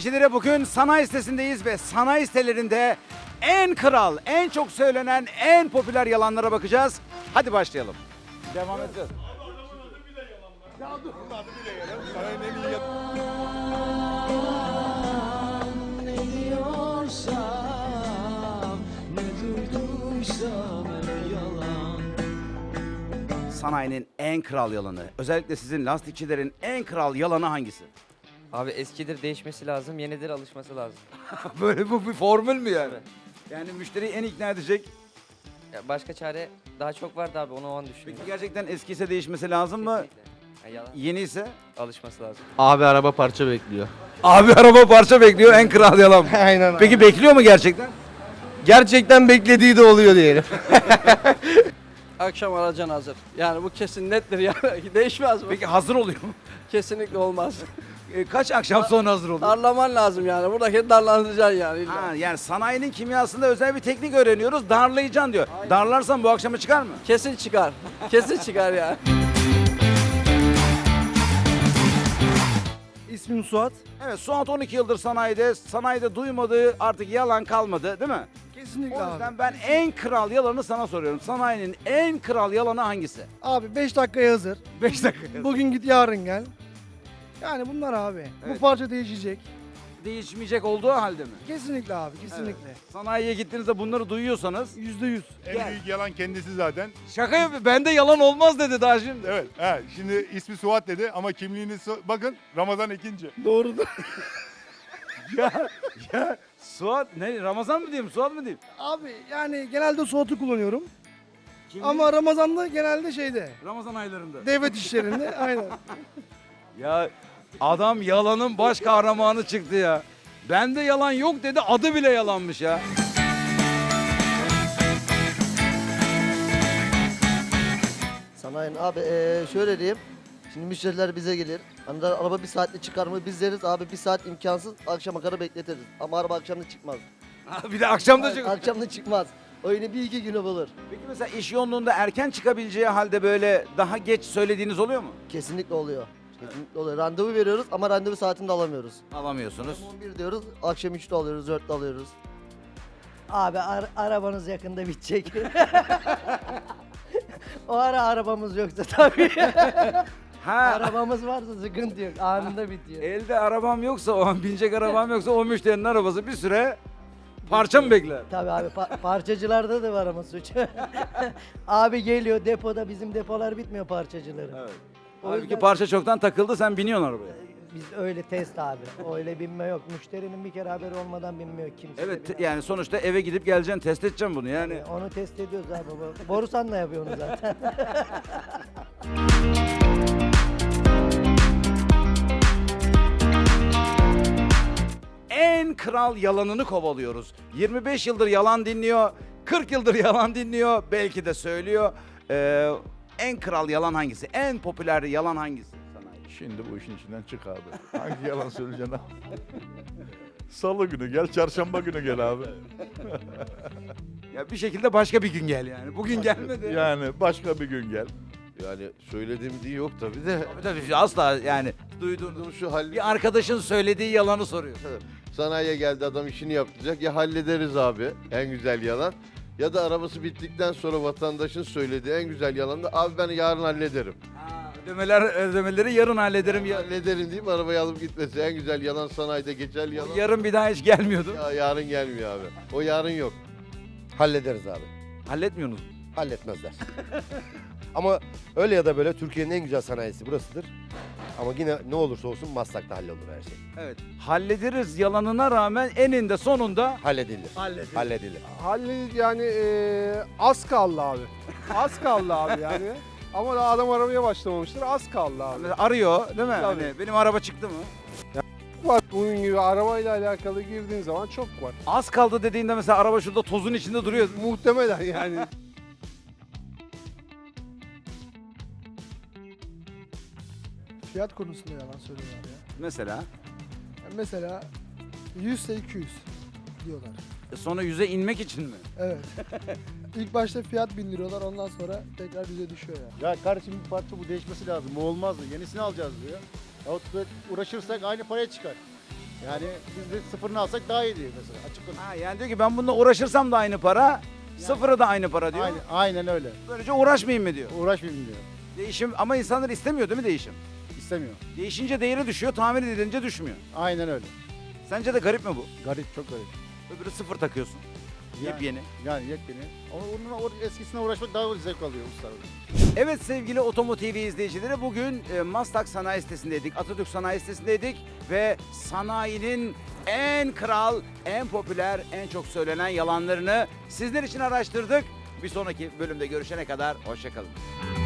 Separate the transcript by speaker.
Speaker 1: Lastikçilere bugün sanayi sitesindeyiz ve sanayi sitelerinde en kral, en çok söylenen, en popüler yalanlara bakacağız. Hadi başlayalım. Devam edeceğiz.
Speaker 2: Ne diyorsam, ne duyduysam hep yalan.
Speaker 1: Sanayinin en kral yalanı, özellikle sizin lastikçilerin en kral yalanı hangisi?
Speaker 3: Abi eskidir değişmesi lazım, yenidir alışması lazım.
Speaker 1: Böyle bu bir formül mü yani?
Speaker 3: Evet.
Speaker 1: Yani müşteriyi en ikna edecek.
Speaker 3: Ya başka çare daha çok vardı abi, onu o an düşünüyorum.
Speaker 1: Peki gerçekten eski ise değişmesi lazım mı?
Speaker 3: Kesinlikle. Ya yalan,
Speaker 1: Yeni ise?
Speaker 3: alışması lazım.
Speaker 4: Abi araba parça bekliyor.
Speaker 1: Abi araba parça bekliyor, en kral yalan.
Speaker 4: Aynen.
Speaker 1: Peki bekliyor mu gerçekten?
Speaker 4: Gerçekten beklediği de oluyor diyelim.
Speaker 5: Akşam aracın hazır. Yani bu kesin nettir yani. Değişmez bu.
Speaker 1: Peki hazır oluyor mu?
Speaker 5: Kesinlikle olmaz.
Speaker 1: Kaç akşam sonra hazır oluyor?
Speaker 5: Darlaman lazım yani. Buradaki darlandıracaksın yani. illa.
Speaker 1: Ha, yani sanayinin kimyasında özel bir teknik öğreniyoruz. Darlayacaksın diyor. Darlarsan bu akşama çıkar mı?
Speaker 5: Kesin çıkar. Kesin çıkar yani.
Speaker 6: İsmim Suat.
Speaker 1: Evet, Suat 12 yıldır sanayide. Sanayide duymadığı artık yalan kalmadı değil mi?
Speaker 6: Kesinlikle
Speaker 1: O
Speaker 6: abi.
Speaker 1: yüzden ben en kral yalanı sana soruyorum. Sanayinin en kral yalanı hangisi?
Speaker 6: Abi 5 dakikaya hazır.
Speaker 1: 5 dakika.
Speaker 6: Bugün git yarın gel. Yani bunlar abi.
Speaker 1: Evet.
Speaker 6: Bu parça değişecek.
Speaker 1: Değişmeyecek olduğu halde mi?
Speaker 6: Kesinlikle abi kesinlikle.
Speaker 1: Evet. Sanayiye gittiğinizde bunları duyuyorsanız.
Speaker 6: %100.
Speaker 7: En büyük yalan kendisi zaten.
Speaker 1: Şaka yapıyor. Bende yalan olmaz dedi daha şimdi.
Speaker 7: Evet. He, şimdi ismi Suat dedi ama kimliğini bakın Ramazan ikinci.
Speaker 6: Doğrudur.
Speaker 1: Ya Suat ne? Ramazan mı diyeyim? Suat mı diyeyim?
Speaker 6: Abi yani genelde Suat'ı kullanıyorum.
Speaker 1: Kimliği-
Speaker 6: Ama Ramazan'da genelde şeyde.
Speaker 1: Ramazan aylarında.
Speaker 6: Devlet işlerinde aynen.
Speaker 1: Ya adam yalanın baş kahramanı çıktı ya. Bende yalan yok dedi, adı bile yalanmış ya.
Speaker 8: Sanayinin abi şöyle diyeyim. Şimdi müşteriler bize gelir. Hani da araba bir saatte çıkar mı biz deriz abi bir saat imkansız akşama kadar bekletiriz. Ama araba akşamda çıkmaz.
Speaker 1: Bir de akşam da çık.
Speaker 8: Akşamda çıkmaz. O yine bir iki günü bulur.
Speaker 1: Peki mesela iş yoğunluğunda erken çıkabileceği halde böyle daha geç söylediğiniz oluyor mu?
Speaker 8: Kesinlikle oluyor. Kesinlikle oluyor. Randevu veriyoruz ama randevu saatinde alamıyoruz.
Speaker 1: Alamıyorsunuz.
Speaker 8: 11 diyoruz, akşam 3'te alıyoruz, 4'te alıyoruz.
Speaker 9: Abi arabanız yakında bitecek. O ara arabamız yoksa tabii.
Speaker 1: Ha,
Speaker 9: Arabamız varsa sıkıntı yok. Anında bitiyor.
Speaker 1: elde arabam yoksa, o an binecek arabam yoksa o müşterinin arabası bir süre parça mı bekler?
Speaker 9: Tabii abi parçacılarda da var ama suç. Abi geliyor depoda bizim depolar bitmiyor parçacıların.
Speaker 1: Evet.
Speaker 9: O
Speaker 1: Halbuki
Speaker 9: yüzden
Speaker 1: parça çoktan takıldı, sen biniyorsun arabaya.
Speaker 9: biz öyle test abi. Öyle binme yok. Müşterinin bir kere haberi olmadan binmiyor kimse. de
Speaker 1: Evet,
Speaker 9: binemez.
Speaker 1: yani sonuçta eve gidip geleceksin, test edeceksin bunu yani.
Speaker 9: Onu test ediyoruz abi. Borusan'la yapıyor onu zaten.
Speaker 1: En kral yalanını kovalıyoruz. 25 yıldır yalan dinliyor, 40 yıldır yalan dinliyor, belki de söylüyor. En kral yalan hangisi? En popüler yalan hangisi? Sanayi.
Speaker 7: Şimdi bu işin içinden çık abi. Hangi yalan söyleyeceksin abi? Salı günü gel, çarşamba günü gel abi.
Speaker 1: Ya bir şekilde başka bir gün gel yani. Bugün gelmedi.
Speaker 7: Yani başka bir gün gel.
Speaker 4: Yani söylediğim diye yok tabii de.
Speaker 1: Tabii asla yani duyduğunuz.
Speaker 4: Şu hal
Speaker 1: Bir arkadaşın söylediği yalanı soruyor.
Speaker 4: sanayiye geldi adam işini yapacak. Ya hallederiz abi en güzel yalan. Ya da arabası bittikten sonra vatandaşın söylediği en güzel yalan da abi ben yarın hallederim.
Speaker 1: Ödemeleri yarın hallederim.
Speaker 4: Hallederim deyip arabayı alıp gitmesi en güzel yalan sanayide geçer yalan.
Speaker 1: Yarın bir daha hiç gelmiyordu.
Speaker 4: Ya yarın gelmiyor abi. O yarın yok.
Speaker 10: Hallederiz abi.
Speaker 1: Halletmiyorsunuz.
Speaker 10: Halletmezler. Ama öyle ya da böyle Türkiye'nin en güzel sanayisi burasıdır. Ama yine ne olursa olsun Maslak'ta hallolur her şey.
Speaker 1: Evet. Hallederiz yalanına rağmen eninde sonunda
Speaker 10: Halledilir.
Speaker 1: halledilir.
Speaker 10: Halledilir.
Speaker 6: Yani az kaldı abi. Az kaldı abi yani. Ama daha adam aramaya başlamamıştır. Az kaldı abi.
Speaker 1: Mesela arıyor değil mi?
Speaker 6: Tabii.
Speaker 1: Hani benim araba çıktı mı?
Speaker 6: Var. Bunun gibi arabayla alakalı girdiğin zaman çok var.
Speaker 1: Az kaldı dediğinde mesela araba şurada tozun içinde duruyor.
Speaker 6: Muhtemelen yani. Fiyat konusunda yalan söylüyorlar ya.
Speaker 1: Mesela
Speaker 6: Yani mesela 100 ise 200 diyorlar.
Speaker 1: sonra yüze inmek için mi?
Speaker 6: Evet. İlk başta fiyat bindiriyorlar ondan sonra tekrar yüze düşüyor ya.
Speaker 10: Ya kardeşim bir parça bu değişmesi lazım. Bu olmaz mı? Yenisini alacağız diyor. Yahut da uğraşırsak aynı paraya çıkar.
Speaker 6: Yani biz de sıfırını alsak daha iyi diyor mesela. Açık konuşayım.
Speaker 1: Ha, yani diyor ki ben bununla uğraşırsam da aynı para, sıfırı da aynı para diyor.
Speaker 6: Aynen öyle.
Speaker 1: Böylece uğraşmayayım mı diyor.
Speaker 6: Uğraşmayayım diyor.
Speaker 1: Değişim ama insanlar istemiyor değil mi değişim?
Speaker 6: İstemiyor.
Speaker 1: Değişince değeri düşüyor, tamir edilince düşmüyor.
Speaker 6: Aynen öyle.
Speaker 1: Sence de garip mi bu?
Speaker 6: Garip, çok garip.
Speaker 1: Öbürü sıfır takıyorsun. Yepyeni.
Speaker 6: Yani yepyeni. Ama onun eskisine uğraşmak daha zevk alıyor ustalar.
Speaker 1: Evet sevgili Otomotiv izleyicileri, bugün Maslak Sanayi Sitesi'ndeydik, Atatürk Sanayi Sitesi'ndeydik ve sanayinin en kral, en popüler, en çok söylenen yalanlarını sizler için araştırdık. Bir sonraki bölümde görüşene kadar hoşça kalın.